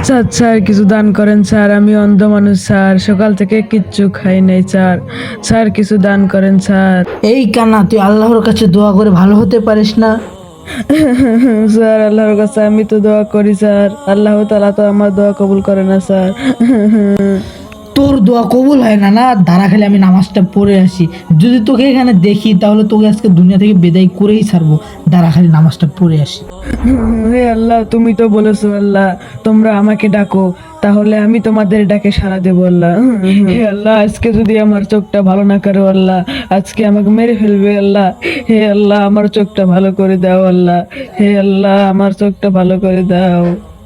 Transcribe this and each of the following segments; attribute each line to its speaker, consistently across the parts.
Speaker 1: Sir sir কিছু দান করেন স্যার, আমি অন্ধ মানুষ স্যার, সকাল থেকে কিচ্ছু খাই নাই স্যার। স্যার কিছু দান করেন স্যার।
Speaker 2: এই কানা, তুই আল্লাহর কাছে দোয়া করে ভালো হতে পারিস না?
Speaker 1: স্যার আল্লাহর কাছে আমি তো দোয়া করি স্যার, আল্লাহ তাআলা তো আমার দোয়া কবুল করে না স্যার।
Speaker 2: তোর দোয়া কবুল হয় না? দাঁড়া, খালি আমি নামাজটা পড়ে আসি। যদি তোকে এখানে দেখি তাহলে তোকে আজকে দুনিয়া থেকে বিদায় করেই ছাড়বো। দাঁড়া, খালি নামাজটা পড়ে আসি।
Speaker 1: হে আল্লাহ, তুমি তো বলেছো আল্লাহ তোমরা আমাকে ডাকো, তাহলে আমি তোমাদের ডাকে সাড়া দেবো আল্লাহ। হে আল্লাহ, আজকে যদি আমার চোখটা ভালো না করো আল্লাহ, আজকে আমাকে মেরে ফেলবে আল্লাহ। হে আল্লাহ, আমার চোখটা ভালো করে দাও আল্লাহ। হে আল্লাহ, আমার চোখটা ভালো করে দাও।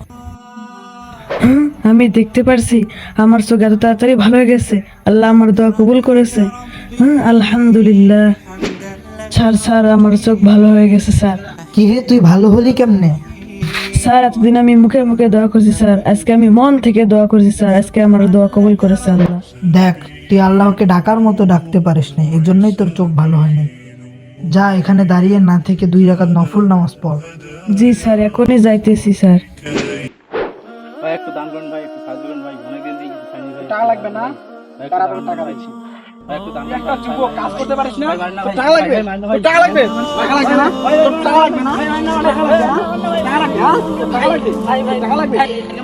Speaker 1: আমি দেখতে পারছি আমার চোখ এত তাড়াতাড়ি ভালো হয়ে গেছে, আল্লাহ আমার দোয়া কবুল করেছে। আলহামদুলিল্লাহ। স্যার স্যার আমার চোখ ভালো হয়ে গেছে স্যার।
Speaker 2: কি রে, তুই ভালো হলি কেমনে?
Speaker 1: স্যার এতদিন আমি মুখে মুখে দোয়া করছি স্যার, আজকে আমি মন থেকে দোয়া করছি স্যার, আজকে আমার দোয়া কবুল করেছে আল্লাহ।
Speaker 2: দেখ, তুই আল্লাহকে ডাকার মতো ডাকতে পারিস না, এই জন্যই তোর চোখ ভালো হয়নি। যা, এখানে দাঁড়িয়ে না থেকে 2 রাকাত নফল নামাজ পড়।
Speaker 1: জি স্যার, এখনই যাইতেছি স্যার।
Speaker 3: ভাই একটু দান করেন ভাই, একটু সাহায্য করেন ভাই, অনেকদিন থেকে কিছু খাইনি ভাই।
Speaker 4: টাকা লাগবে না?
Speaker 3: ভাই, একটু
Speaker 4: তাড়াতাড়ি
Speaker 3: দান
Speaker 4: টাকা
Speaker 3: করেন
Speaker 4: দিচ্ছি।
Speaker 3: ভাই, একটু দান
Speaker 4: তুই
Speaker 3: করেন
Speaker 4: একটা
Speaker 3: ভাই,
Speaker 4: যুবক, কাজ করতে পারিস না?
Speaker 3: ভাই, মারেন না
Speaker 4: তোর
Speaker 3: ভাই,
Speaker 4: টাকা লাগবে?
Speaker 3: ভাই, মারেন না ভাই,
Speaker 4: তোর টাকা লাগবে? টাকা লাগবে না? তোর টাকা লাগবে না? টাকা লাগবে না? টাকা লাগবে, হ্যাঁ? তোর টাকা লাগবে? টাকা লাগবে?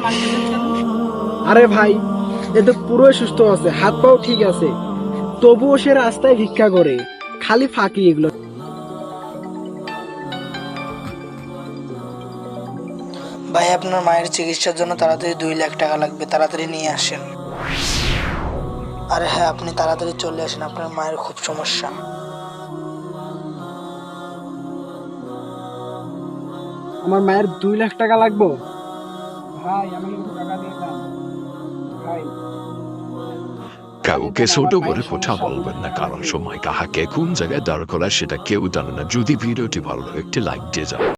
Speaker 4: আরে ভাই, এ তো পুরোই সুস্থ আছে, হাত পাও ঠিক আছে, তবুও সে রাস্তায় ভিক্ষা করে, খালি ফাঁকি এগুলো।
Speaker 2: ভাই, আপনার মায়ের চিকিৎসার জন্য তাড়াতাড়ি 2 লাখ টাকা লাগবে, তাড়াতাড়ি নিয়ে আসেন। আরে হ্যাঁ, আপনি তাড়াতাড়ি চলে আসেন, আপনার মায়ের খুব সমস্যা।
Speaker 4: আমার মায়ের 2 লাখ টাকা লাগবে। ভাই আমি কিন্তু টাকা দিয়ে দাম ভাই।
Speaker 5: কাউকে ছোট করে কথা বলবেন না, কারণ সময় কাহাকে কোন জায়গায় দাঁড় করা সেটা কেউ জানে না। যদি ভিডিওটি ভালো লাগে একটি লাইক দিয়ে যান।